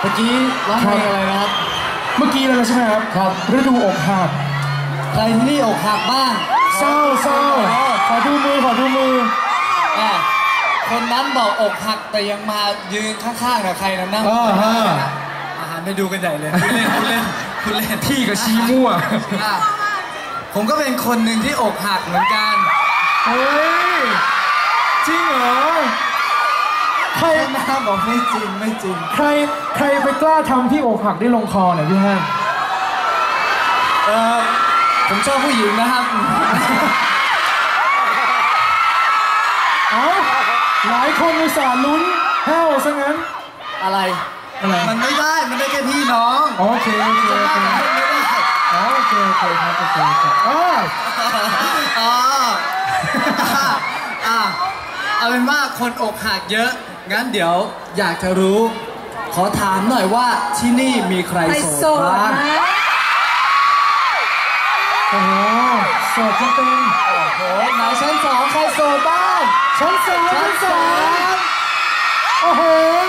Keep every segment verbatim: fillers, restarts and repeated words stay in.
มื่อกี้ร้องเพลงอะไรนะครับเมื่อกี้เลยใช่ไหมครับครับฤดูอกหักใครที่นี่อกหักบ้างเศร้าเศร้าขอดูมือขอดูมือคนนั้นบอกอกหักแต่ยังมายืนข้างๆกับใครนะนั่งอาหารไปดูกันใหญ่เลยคุณเล่นคุณเล่นคุณเล่นพี่กับชี้มั่วผมก็เป็นคนหนึ่งที่อกหักเหมือนกันเฮ้ยจริงเหรอใครน้าบอกไม่จริงไม่จริงใครใครไปกล้าทำที่อกหักได้ลงคอเนี่ยพี่แฮมเออผมชอบผู้หญิงนะครับเอ้าหลายคนอุตส่าห์ลุ้นแห้วซะงั้นอะไรอะไรมันไม่ได้มันได้แค่พี่น้องโอเคโอเคโอเคโอเคโอเคครับโอเคอ๋ออ๋ออ่าเอาเป็นว่าคนอกหักเยอะงั้นเดี๋ยวอยากจะรู้ขอถามหน่อยว่าที่นี่มีใครโสดบ้างโอ้โหโสดจะเป็นโอ้โหไหนชั้นสองใครโสดบ้างชั้นสองชั้นสองโอ้โห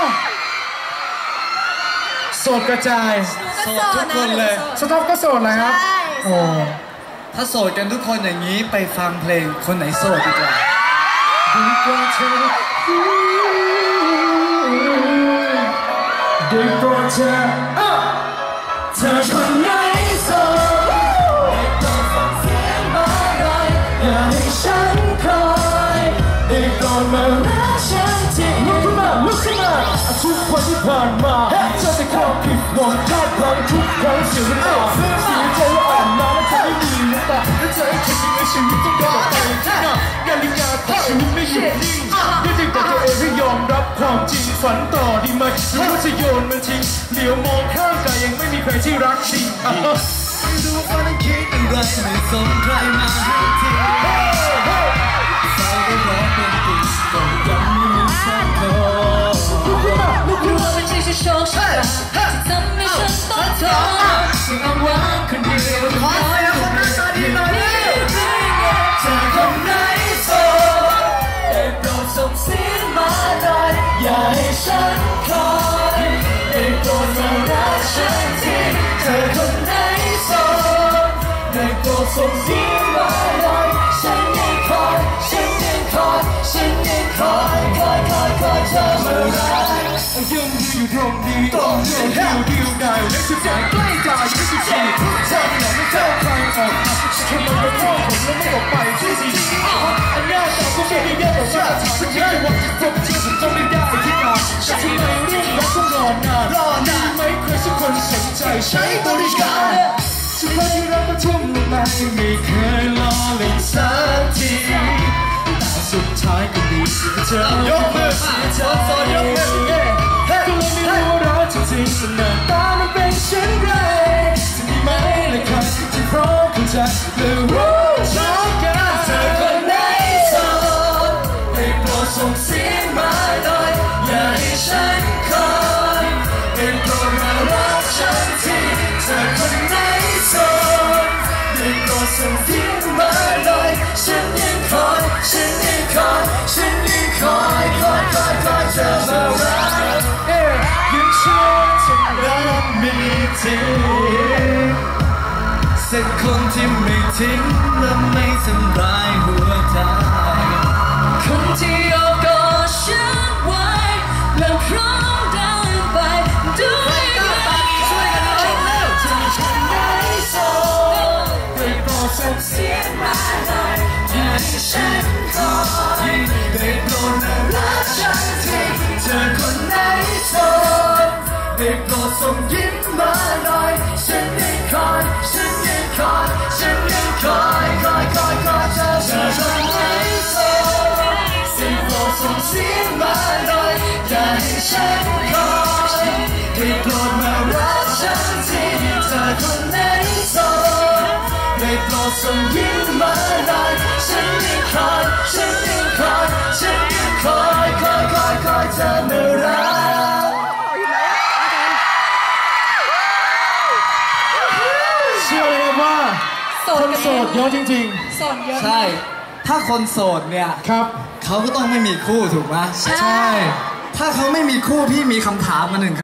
โสดกระจายโสดทุกคนเลยสต๊อปก็โสดเลยครับโอ้ถ้าโสดกันทุกคนอย่างนี้ไปฟังเพลงคนไหนโสดดีกว่าดีกว่าเธอดีกว่าเธอเธอคนไหนโสดอย่าให้ฉันคอยได้ก่อนมารักฉันทีลุกขึ้นมาลุกขึ้นมาทุกวันที่ผ่านมาเธอจะเข้าผิดหวังพลาดพลั้งทุกครั้งเสียน้ำตาเสียใจอ่อนล้าและเธอไม่มีน้ำตาและเธอให้คิดในชีวิตต้องเดินไปข้างหน้านาฬิกาของชีวิตไม่หยุดนิ่งได้แต่ตัวเองให้ยอมรับความจริงฝันต่อดีไหมหรือว่าจะโยนมันทิ้งเหลียวมองข้างกายยังไม่มีใครที่รักจริงดูว่านั้นคิดเป็นไรไม่สนใครมาให้ทีใจก็ร้องเป็นติดก็ยังไม่มีสักคนรู้ว่ามันไม่ใช่โชคชะตาที่ทำให้ฉันต้องทนที่เอาวางคนเดียวขอเสียคนนั้นมาดีหน่อยเธอคนไหนโสดได้โปรดส่งเสียงมาหน่อยอย่าให้ฉันคอยได้โปรดมารักฉันทีเธอคนไหนได้โปรดส่งเสียงมาหน่อยฉันยังคอยฉันยังคอยฉันยังคอยคอยคอยคอยเธอมารักยังอยู่อยู่ตรงนี้ตรงนี้เดียวเดียวได้และสุดท้ายใกล้ตายที่สุดที่เธอไม่อยากให้เธอใครออกทำไมไม่พ่อผมแล้วไม่ออกไปที่สิ่งที่อันน่าแต่ก็ไม่ได้เยอะแต่ว่าถามฉันแค่ว่าผมเชื่อผมต้องไม่ได้ที่งานแต่ทำไมเรื่องรักต้องรอนานรอนานไม่เคยสักคนสนใจใช้บริการสุดท้ายที่รักมาทุ่มลงมาไม่เคยล้อเล่นสักทีแต่สุดท้ายก็ดีเธอยกมือเสียใจก็เลยไม่รู้ว่ารักจริงๆหน้าตามันเป็นเช่นไรจะมีไหมล่ะครับที่พร้อมเข้าใจและรู้ชอบกันเธอคนไหนโสดได้โปรดส่งเสียงมาหน่อยอย่าให้ฉันคอยได้โปรดมารักฉันทีเธอคนไหนโสดได้โปรดส่งเสียงมาหน่อยฉันยังคอยฉันยังคอยฉันยังคอยคอยคอยคอยเธอมารักเอ๊ยยังเชื่อฉันรักมีจริงสักคนที่ไม่ทิ้งและไม่ทำร้ายหัวใจคนที่เอากอดฉันไว้และพร้อมเดินไปด้วยกันช่วยกันร้องเร็วจะฉันได้โสดได้โปรดส่งเสียงมาหน่อยอย่าให้ฉันคอยได้โปรดมารักฉันทีเธอคนไหนโสดได้โปรดส่งยิ้มมาหน่อยฉันยังคอยฉันยังคอยฉันยังคอยคอยคอยคอยเธอเธอคนไหนโสดได้โปรดส่งเสียงมาหน่อยอย่าให้ฉันคอยได้โปรดมารักฉันทีเธอคนไหนโสดได้โปรดส่งยิ้มมาหน่อยฉันยังคอยฉันยังคอยฉันยังคอยคอยคอยคอยเธอมารักเชื่อเลยว่าคนโสดเยอะจริงๆโสดเยอะใช่ถ้าคนโสดเนี่ยครับเขาก็ต้องไม่มีคู่ถูกไหมใช่ถ้าเขาไม่มีคู่พี่มีคำถามมาหนึ่ง